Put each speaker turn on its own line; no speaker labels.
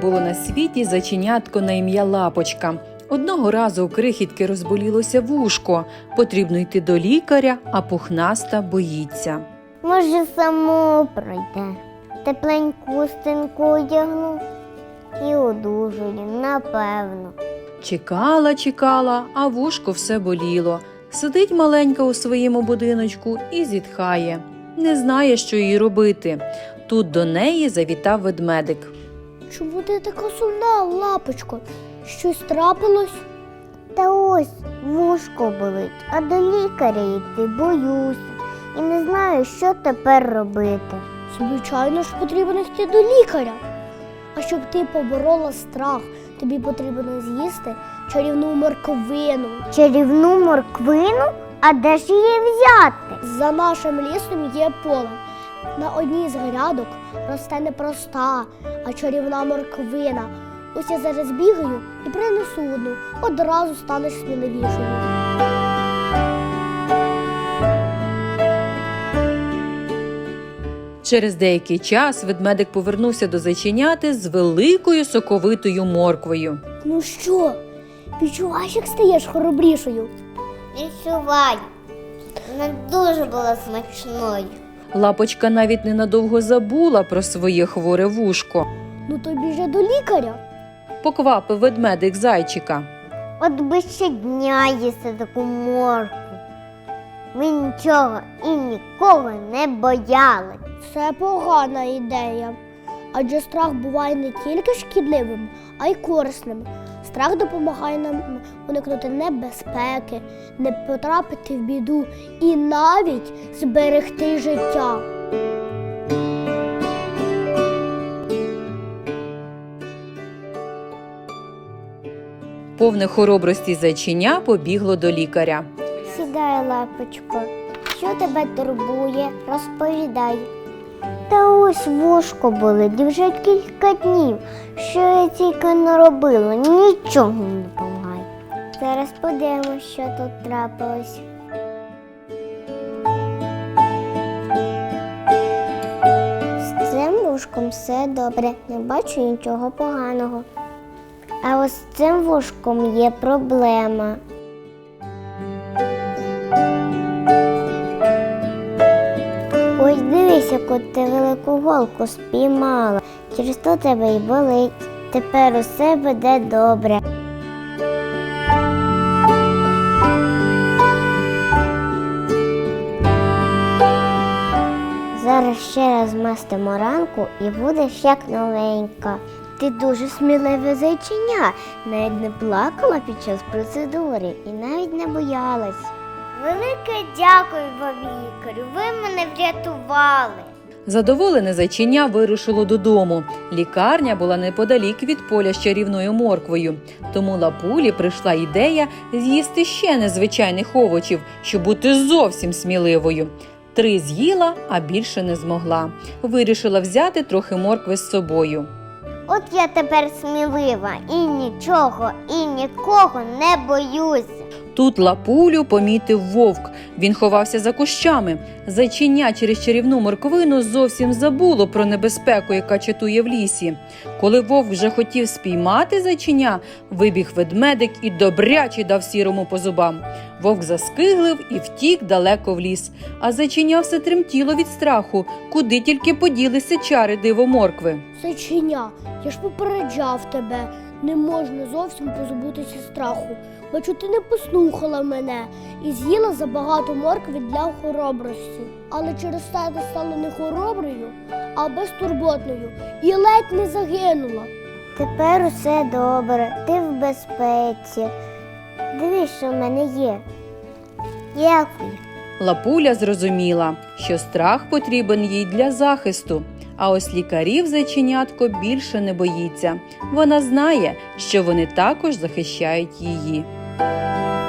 було на світі зайченятко на ім'я Лапочка. Одного разу у крихітки розболілося вушко. Потрібно йти до лікаря, а пухнаста боїться.
Може, само пройде. Тепленьку хустинку одягну і одужую, напевно.
Чекала, а вушко все боліло. Сидить маленька у своєму будиночку і зітхає. Не знає, що їй робити. Тут до неї завітав ведмедик.
Чому ти така сумна, Лапочко? Щось трапилось?
Та ось вушко болить, а до лікаря йти боюся. І не знаю, що тепер робити.
Звичайно ж, потрібно йти до лікаря. А щоб ти поборола страх, тобі потрібно з'їсти чарівну морквину.
Чарівну морквину? А де ж її взяти?
За нашим лісом є поле. На одній з грядок росте не проста, а чарівна морквина. Ось я зараз бігаю і принесу одну, одразу станеш сміливішою.
Через деякий час ведмедик повернувся до зайченяти з великою соковитою морквою.
Ну що, відчуваєш, як стаєш хоробрішою?
Відчуваю. Вона дуже була смачною.
Лапочка навіть ненадовго забула про своє хворе вушко.
Ну то біжи до лікаря.
Поквапив ведмедик зайчика.
От би щодня їсти таку моркву. Ми нічого і нікого не боялись.
Це погана ідея. Адже страх буває не тільки шкідливим, а й корисним. Страх допомагає нам уникнути небезпеки, не потрапити в біду і навіть зберегти життя.
Повне хоробрості зайченя побігло до лікаря.
Сідай, Лапочко. Що тебе турбує? Розповідай. Та ось вушко болить вже кілька днів. Що я тільки не робила, нічого не допомагає. Зараз подивимось, що тут трапилось. З цим вушком все добре, не бачу нічого поганого. А ось з цим вушком є проблема. Ось дивись, яку ти велику голку спіймала. Через то тебе й болить. Тепер усе буде добре. Зараз ще раз мастимо ранку і будеш як новенька. Ти дуже сміливе зайченя. Навіть не плакала під час процедури і навіть не боялась. Велике дякую вам, лікарю, ви мене врятували.
Задоволене зайченя вирушило додому. Лікарня була неподалік від поля з чарівною морквою. Тому Лапулі прийшла ідея з'їсти ще незвичайних овочів, щоб бути зовсім сміливою. 3 з'їла, а більше не змогла. Вирішила взяти трохи моркви з собою.
От я тепер смілива і нічого, і нікого не боюся.
Тут Лапулю помітив вовк. Він ховався за кущами. Зайченя через чарівну морквину зовсім забуло про небезпеку, яка чатує в лісі. Коли вовк вже хотів спіймати зайченя, вибіг ведмедик і добряче дав сірому по зубам. Вовк заскиглив і втік далеко в ліс. А зайченя все тремтіло від страху, куди тільки поділися чари дивоморкви.
Зайченя, я ж попереджав тебе. Не можна зовсім позбутися страху. Бачу, ти не послухала мене і з'їла забагато моркви для хоробрості. Але через це ти стала не хороброю, а безтурботною і ледь не загинула.
Тепер усе добре, ти в безпеці. Дивись, що в мене є. Дякую.
Лапуля зрозуміла, що страх потрібен їй для захисту. А ось лікарів зайченятко більше не боїться. Вона знає, що вони також захищають її.